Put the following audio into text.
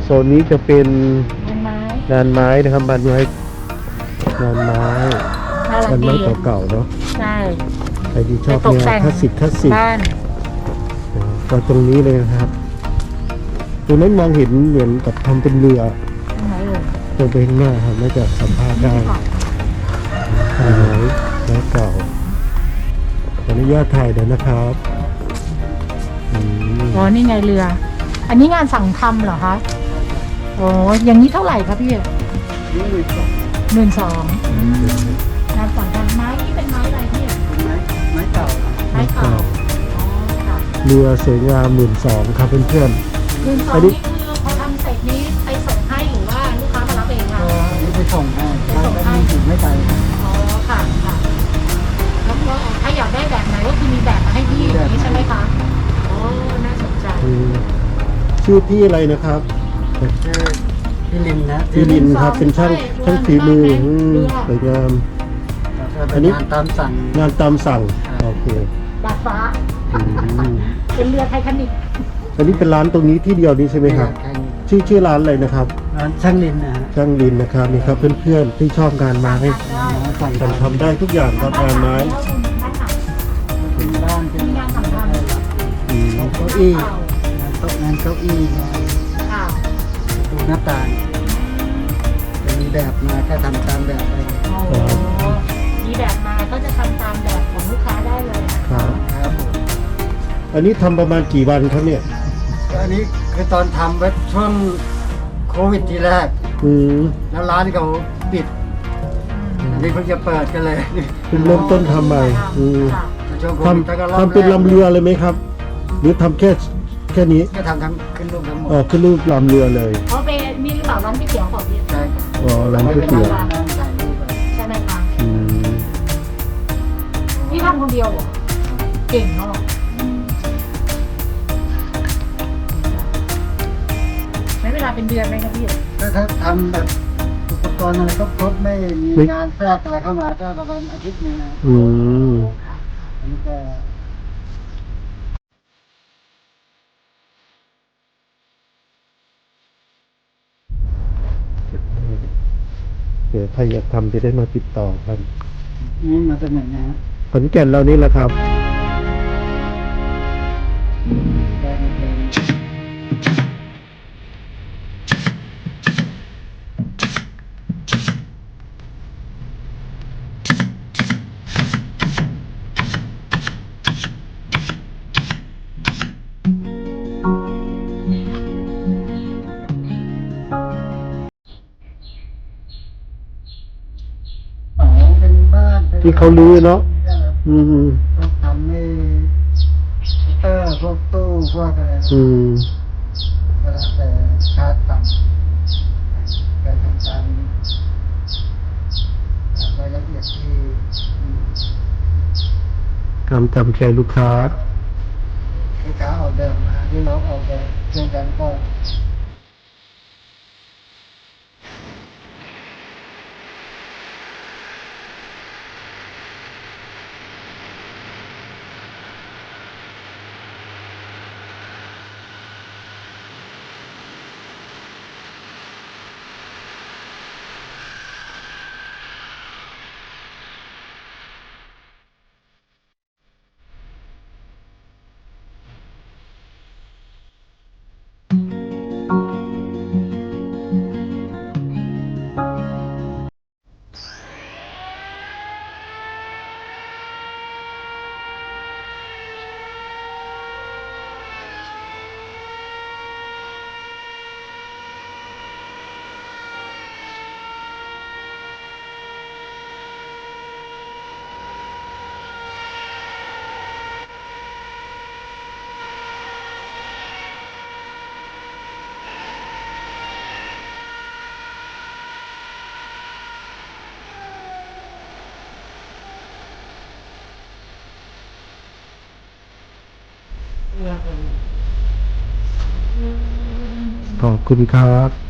นนี้จะเป็นต้นไม้งานไม้นะครับงานไม้งานไม้น่ารังากนไม้ดีเก่าๆเนาะใช่ใครที่ชอบไปตกแนวแต่งคลาสสิกบ้านก็ตรงนี้เลยนะครับตรงนั้นมองเห็นเหมือนกับทำเป็นเรือต้นไม้เลยตรงไปข้างหน้าครับน่าจะสัมภาษณ์ได้นี่ค่ะถ่ายไม้ไม้เก่าขออนุญาตถ่ายเดี๋ยวนะครับอืมอ๋อนี่ไงเรือ อันนี้งานสั่งทำเหรอคะโอ้อย่างนี้เท่าไหร่ครับพี่12,000งานสั่งทำไม้นี่เป็นไม้อะไรพี่ไม้เก่าไม้เก่าอ๋อค่ะเรือสวยงาม12,000ครับเพื่อน 12,000 อันนี้นี่คือพอทำเสร็จนี้ไปส่งให้หรือว่าลูกค้ามารับเองคะก็อันนี้ไปส่งให้ไปส่งให้แล้วก็มีถึงไม่ไกลครับอ๋อค่ะค่ะแล้วก็ถ้าอยากได้แบบไหนก็คือมีแบบมาให้พี่อย่างนี้ใช่ไหมคะอ๋อน่าสนใจๆชื่อพี่อะไรนะครับชื่อพี่ลินนะพี่ลินครับเป็นช่างฝีมือสวยงาม อัอันนนี้นี้งานตามสั่งงานตามสั่งโอเคดาดฟ้าอืมเป็นเรือไททานิคอันนี้เป็นร้านตรงนี้ที่เดียวนี้ใช่ไหมครับ ชื่อร้านอะไรนะครับร้านช่างลินนะฮะช่างลินนะครับนี่ครับเพื่อนๆที่ชอบงานไม้ได้สั่งมันทำได้ทุกอย่างครับงานไม้เป็นบ้านเป็นมีงานสั่งทำอืมเก้าอี้งานเก้าอี้งานค่ะประตูหน้าต่างจะมีแบบมาก็ทำตามแบบไปโอ้โหมีแบบมาก็จะทำตามแบบของลูกค้าได้เลยนะครับครับผมอันนี้ทำประมาณกี่วันครับเนี่ยก็อันนี้คือตอนทำไว้ช่วงโควิดทีแรกอืมแล้วร้านเขาปิด อันนี้เพิ่งจะเปิดกันเลยเพิ่งเริ่มต้นทำใหม่อืมค่ะช่วงโคทวิดแล้วก็รอบำเป็นลำเรือเลยไหมครับ หรือทำแค่นี้ก็ทำทั้งขึ้นรูปทั้งหมดอ๋อขึ้นรูปลำเรือเลยเพราะเป็นนี่หรือเปล่าร้านก๋วยเตี๋ยวของพี่ใช่ครับอ๋อร้านก๋วยเตี๋ยวนั่งถ่ายรูปไปใช่ไหมคะอืมนี่ทำคนเดียวเหรอเก่งเนาะไม่เวลาเป็นเดือนไหมครับพี่ถ้าทำแบบอุปกรณ์อะไรก็ครบไม่มีงานแทรกอะไรเข้ามาก็ประมาณอาทิตย์หนึงนะอืมอันนี้ก็เดี๋ยวใครอยากทำจะได้มาติดต่อกันนี่มาจากไหนนะฮะขอนแก่นเรานี่แหละครับได้มาเป็น อ๋อเป็นบ้านเป็นที่เขาลื้อเนาะ อืมพวกทำให้พวกตู้พวกอะไรอืมก็แล้วแต่ชาร์จต่ำการทำตามรายละเอียดที่จำใจลูกค้าลูกค้าออกแบบมาที่เราออกแบบเช่นกันก็ขอบคุณครับ